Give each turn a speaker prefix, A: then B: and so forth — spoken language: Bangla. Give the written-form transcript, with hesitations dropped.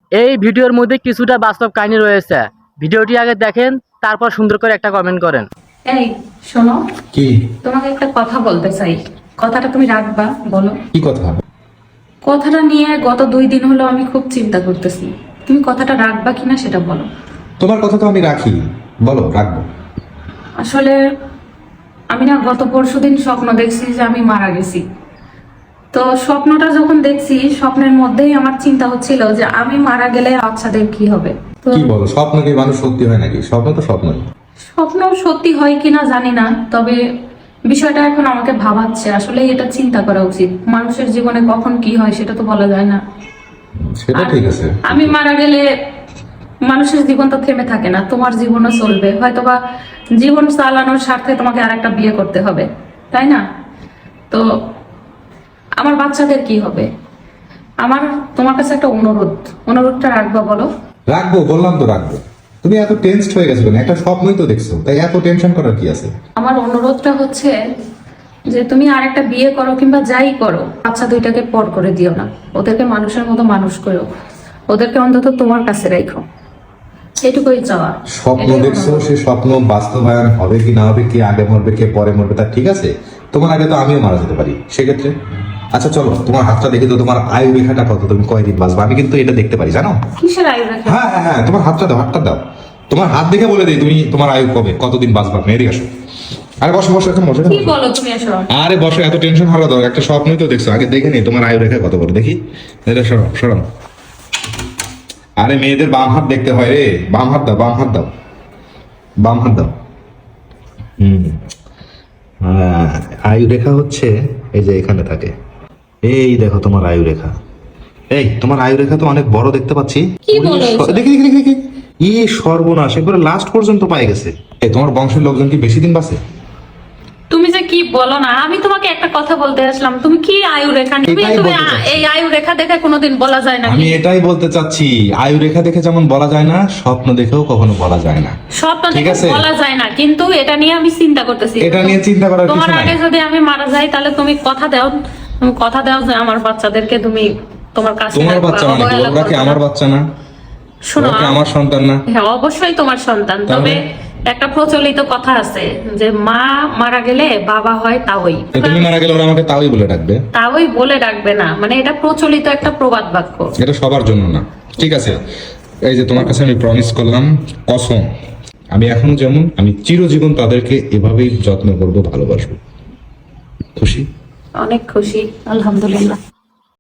A: এই ভিডিওর মধ্যে কিছুটা বাস্তব কাহিনী রয়েছে। ভিডিওটি আগে দেখেন, তারপর সুন্দর করে একটা কমেন্ট করেন।
B: এই শোনো,
C: কি
B: তোমাকে একটা কথা বলতে চাই। কথাটা তুমি রাখবা? বলো।
C: কি কথা?
B: কথাটা নিয়ে গত 2 দিন হলো আমি খুব চিন্তা করতেছি। তুমি কথাটা রাখবা কিনা সেটা বলো।
C: তোমার কথা তো আমি রাখি, বলো রাখবো।
B: আসলে আমি না গত পরশুদিন স্বপ্ন দেখছি যে আমি মারা গেছি। তো স্বপ্নটা যখন দেখছি, স্বপ্নের মধ্যেই আমার চিন্তা হচ্ছিল যে আমি মারা গেলে বাচ্চাদের কি হবে। তো
C: কি বলো, স্বপ্ন কি মানুষ সত্যি হয় নাকি? স্বপ্ন তো স্বপ্নই।
B: স্বপ্ন সত্যি হয় কিনা জানি না, তবে বিষয়টা এখন আমাকে ভাবাচ্ছে। আসলে এটা চিন্তা করা উচিত। মানুষের জীবনে কখন কি হয় সেটা তো বলা যায় না।
C: সেটা
B: আর
C: ঠিক আছে।
B: আমি মারা গেলে মানুষের জীবন তো থেমে থাকে না, তোমার জীবনও চলবে। হয়তোবা জীবন চালানোর স্বার্থে তোমাকে আরেকটা বিয়ে করতে হবে, তাই না? তো আমার বাচ্চাদের কি হবে? আমার তোমার কাছে একটা অনুরোধটা রাখবা, বলো।
C: রাখবো, বললাম তো রাখবো। তুমি এত টেনসড হয়ে গেছো কেন? একটা স্বপ্নই তো দেখছো, তাই এত টেনশন করার কি আছে?
B: আমার অনুরোধটা হচ্ছে যে তুমি আরেকটা বিয়ে করো কিংবা যাই করো, বাচ্চা দুইটাকে পর করে দিও না। ওদেরকে মানুষের মতো মানুষ করো, ওদেরকে অন্তত তোমার কাছে রাখো। এটুকুই চাওয়া।
C: স্বপ্ন
B: এটাই
C: দেখছো,
B: অনুরোধ।
C: সে স্বপ্ন বাস্তবায়ন হবে কি না হবে, কে আগে মরবে কে পরে মরবে তা ঠিক আছে। তোমার আগে তো আমিও মারা যেতে পারি সেক্ষেত্রে। আচ্ছা চলো, তোমার হাতটা দেখি তো, তোমার আয়ু রেখাটা কত, তুমি কয়দিন বাঁচবা? আমি কিন্তু এটা দেখতে পারি, জানো?
B: কিসের আয়ু রেখা?
C: হ্যাঁ হ্যাঁ হ্যাঁ, তোমার হাতটা দাও, হাতটা দাও। তোমার হাত দেখে বলে দিই তুমি তোমার আয়ু কবে, কতদিন বাঁচবা। আপনি এদিকে আসো। আরে বসো বসো, এখন বসো, এখন
B: কি
C: বসো।
B: বলো তুমি এসব?
C: আরে বসো, এত টেনশন হওয়া দরকার? একটা স্বপ্নই তো দেখছো, আগে দেখে নি তোমার আয়ু রেখা কত বড় দেখি। এটা সরো সরো। আরে মেয়েদের বাম হাত দেখতে হয় রে। বাম হাত দাও, বাম হাত দাও, বাম হাত দাও। হুম। আয়ু রেখা হচ্ছে এই যে এখানে থাকে। এই দেখো তোমার আয়ু রেখা। এই তোমার আয়ু রেখা তো অনেক বড় দেখতে পাচ্ছি।
B: কি বলো এসব?
C: দেখি দেখি দেখি দেখি। ই সর্বনাশ, একবারে লাস্ট পর্যন্ত পাই গেছে। এই তোমার বংশের লোকজন কি বেশি দিন বাঁচে?
B: তুমি যে কি বলো না, আমি তোমাকে একটা কথা বলতে আসলাম, তুমি কি আয়ু রেখা নিবে?
C: এটাই
B: তুমি
C: বলতে চাচ্ছি।
B: এই আয়ু রেখা দেখে কোনোদিন বলা যায় না।
C: আমি এটাই বলতে চাচ্ছি, আয়ু রেখা দেখে যেমন বলা যায় না, স্বপ্ন দেখেও কখনো বলা যায় না।
B: স্বপ্ন
C: ঠিক
B: দেখে
C: আছে।
B: বলা যায় না, কিন্তু এটা নিয়ে আমি চিন্তা করতেছি।
C: এটা নিয়ে চিন্তা করার কিছু
B: তোমার
C: নাই।
B: আগে যদি আমি মারা যাই, তাহলে তুমি কথা দাও, তুমি কথা দাও যে আমার বাচ্চাদেরকে তুমি তোমার কাছে
C: তোমার
B: রাখবা,
C: বাচ্চা মানে কি?
B: অবহেলা
C: ওরা কি
B: করবে না।
C: আমার বাচ্চা না?
B: শোনো,
C: ওরা কি আমার সন্তান না?
B: হ্যাঁ অবশ্যই তোমার সন্তান। তবে একটা প্রচলিত কথা আছে যে মা মারা গেলে বাবা হয় তাওই।
C: তো তুমি মারা গেলে ওরা আমাকে তাওই বলে ডাকবে?
B: তাওই বলে ডাকবে না, মানে এটা প্রচলিত একটা প্রবাদ বাক্য।
C: এটা সবার জন্য না। ঠিক আছে, এই যে তোমার কাছে আমি প্রমিস করলাম, কসম, আমি এখনো যেমন, আমি চিরজীবন তাদেরকে এভাবেই যত্ন করবো, ভালোবাসবো। খুশি?
B: অনেক খুশি, আলহামদুলিল্লাহ।